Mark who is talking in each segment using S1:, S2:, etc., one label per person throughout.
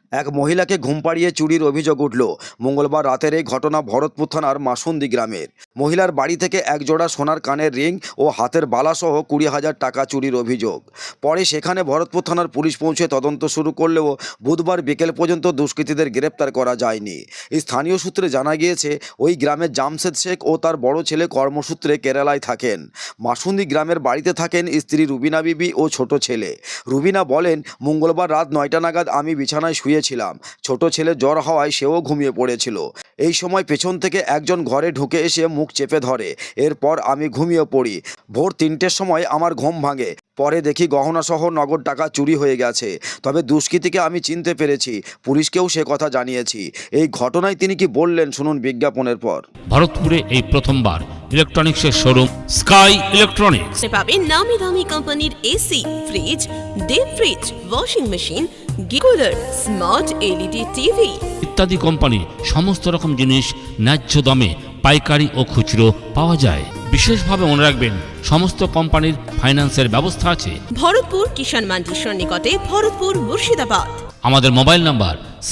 S1: এক মহিলাকে ঘুম পাড়িয়ে চুরির অভিযোগ উঠল। মঙ্গলবার রাতের এই ঘটনা ভরতপুর থানার মাসুন্দি গ্রামের। মহিলার বাড়ি থেকে এক জোড়া সোনার কানের রিং ও হাতের বালাসহ 20,000 টাকা চুরির অভিযোগ। পরে সেখানে ভরতপুর থানার পুলিশ পৌঁছে তদন্ত শুরু করলেও বুধবার বিকেল পর্যন্ত দুষ্কৃতীদের গ্রেপ্তার করা যায়নি। স্থানীয় সূত্রে জানা গিয়েছে, ওই গ্রামের জামশেদ শেখ ও তার বড় ছেলে কর্মসূত্রে কেরালায় থাকেন। মাসুন্দি গ্রামের বাড়িতে থাকেন স্ত্রী রুবিনা বিবি ও ছোট ছেলে। রুবিনা বলেন, মঙ্গলবার রাত 9টা নাগাদ আমি বিছানায় শুয়েছিলাম। ছোট ছেলে জ্বর হওয়ায় সেও ঘুমিয়ে পড়েছিল। এই সময় পেছন থেকে একজন ঘরে ঢুকে এসে মুখ চেপে ধরে। এরপর আমি ঘুমিয়ে পড়ি। ভোর 3টের সময় আমার ঘুম ভাঙে। পরে দেখি গহনাসহ নগদ টাকা চুরি হয়ে গেছে। তবে দুষ্কৃতীকে আমি চিনতে পেরেছি। পুলিশকেও সে কথা জানিয়েছি। এই ঘটনায় তিনি কি বললেন শুনুন বিজ্ঞাপনের পর।
S2: ভারতপুরে এই প্রথমবার ইলেকট্রনিক্সের শোরুম স্কাই ইলেকট্রনিক্স
S3: পাবেন নামি দামি কোম্পানির AC, fridge, deep fridge, washing machine, cooler, smart LED TV
S2: ইত্যাদি কোম্পানির সমস্ত রকম জিনিস ন্যায্য দামে পাইকারি ও খুচরো পাওয়া যায়। বিশেষভাবে মনে রাখবেন, সমস্ত কোম্পানির ফাইন্যান্সের ব্যবস্থা আছে।
S3: ভরতপুর কিষাণ মান্ডির সন্নিকটে, ভরতপুর, মুর্শিদাবাদ।
S2: আমাদের মোবাইল নাম্বার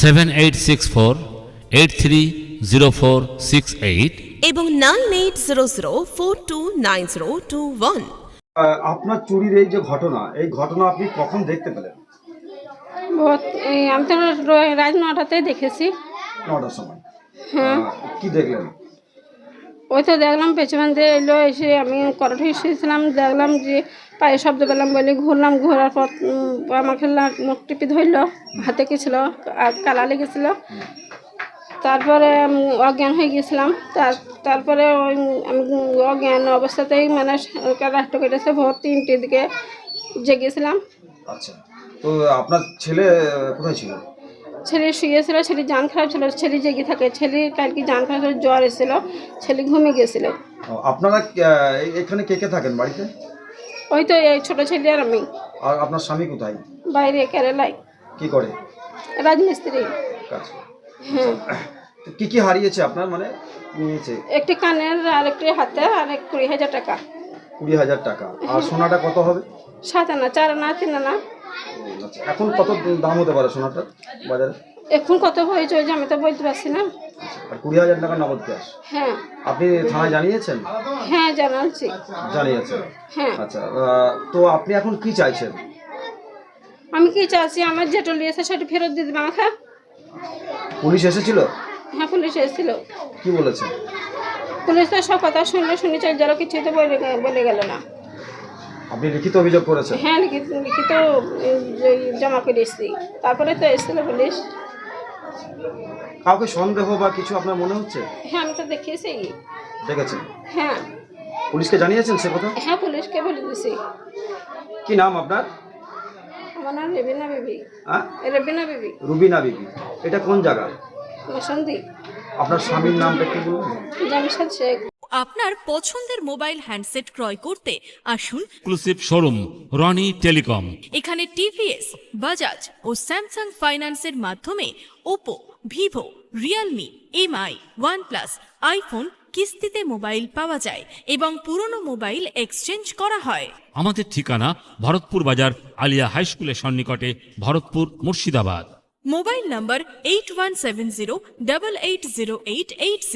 S2: 7864830468
S3: এবং 9800429021।
S1: আপনার চুরির এই যে ঘটনা, এই ঘটনা আপনি কখন দেখতে পেলেন?
S4: আমি তো রাত 9টাতেই দেখেছি।
S1: 9টার সময়।
S4: হ্যাঁ।
S1: কি দেখলেন?
S4: ওই তো দেখলাম পেছন দিয়ে এলো, এসে আমি করাঠে এসেছিলাম, দেখলাম যে পায়ে শব্দ পেলাম বলে ঘুরলাম। ঘোরার পর আমাকে নখ টিপি ধরলো, হাতে গেছিলো, কালা লেগেছিলো। তারপরে অজ্ঞান হয়ে গেছিলাম। তারপরে ওই আমি অজ্ঞান অবস্থাতেই মানে রাষ্ট্র কেটেছে। ভোর 3টের দিকে জেগেছিলাম।
S1: আচ্ছা, তো আপনার ছেলে কোথায় ছিল?
S4: ছেলে শুয়েছিল, ছেলে জান খারাপ ছিল, ছেলে জেগে থাকে। ছেলে কালকে জান খারাপ ছিল, জ্বর এসেছিল, ছেলে ঘুমিয়ে গেছিল।
S1: আপনারা এখানে কে কে থাকেন বাড়িতে?
S4: ওই তো এই ছোট ছেলে আর আমি।
S1: আর আপনার স্বামী কোথায়?
S4: বাইরে কেরালায়
S1: কি করে?
S4: রাজমিস্ত্রি।
S1: কাজ।
S4: হ্যাঁ।
S1: তো কি কি হারিয়েছে আপনার, মানে নিয়েছে?
S4: একটি কানের আর একটি হাতে আর 20,000 টাকা।
S1: 20,000 টাকা। আর সোনাটা কত হবে?
S4: 7 আনা, 4 আনা, 3 আনা।
S1: আচ্ছা, এখন কত দাম হতে পারে সোনাটা বাজারে?
S4: এখন কত হয়েছে ওই যে আমি তো বলতে পারছি না।
S1: আর 20,000 টাকা নগদ ক্যাশ।
S4: হ্যাঁ।
S1: আপনি থানায় জানিয়েছেন?
S4: হ্যাঁ, জানাচ্ছি।
S1: জানিয়েছেন।
S4: হ্যাঁ।
S1: আচ্ছা, তো আপনি এখন কি চাইছেন?
S4: আমি কি চাচ্ছি, আমার যেটা নিয়েছে সেটা ফেরত দিয়ে দেবে আমাকে।
S1: পুলিশ এসেছিল?
S4: হ্যাঁ, পুলিশ এসেছিল।
S1: কি বলেছে?
S4: পুলিশ তো সব কথা শুনেছে, যারা কিছু তো বলে গেল না।
S1: আপনি লিখিত অভিযোগ করেছেন?
S4: হ্যাঁ, লিখিত জমা করে এসেছি। তারপরে তো এসেছিল পুলিশ।
S1: কাউকে সন্দেহ বা কিছু আপনার মনে হচ্ছে?
S4: হ্যাঁ, আমি তো দেখিয়েছি।
S1: দেখেছেন?
S4: হ্যাঁ।
S1: পুলিশকে জানিয়েছেন সে কথা?
S4: হ্যাঁ, পুলিশকে বলে দিয়েছি।
S1: কি নাম আপনার?
S4: আমার নাম রেবিনা বিবি।
S1: হ্যাঁ,
S4: রেবিনা বিবি।
S1: রুবিনা বিবি। এটা কোন জায়গা?
S4: মাসুন্দি।
S1: আপনার স্বামীর নামটা একটু বলুন।
S4: জামশেদ শেখ।
S3: আপনার পছন্দের মোবাইল হ্যান্ডসেট ক্রয় করতে আসুন
S2: এক্সক্লুসিভ শোরুম রনি টেলিকম।
S3: এখানে টিভিএস, বাজাজ ও স্যামসাং ফাইন্যান্সের মাধ্যমে Oppo, Vivo, Realme, MI, OnePlus, iPhone কিস্তিতে মোবাইল পাওয়া যায় এবং পুরনো মোবাইল এক্সচেঞ্জ করা হয়।
S2: আমাদের ঠিকানা ভরতপুর বাজার আলিয়া হাই স্কুলের সন্নিকটে, ভরতপুর, মুর্শিদাবাদ।
S3: মোবাইল নম্বর 8170880880।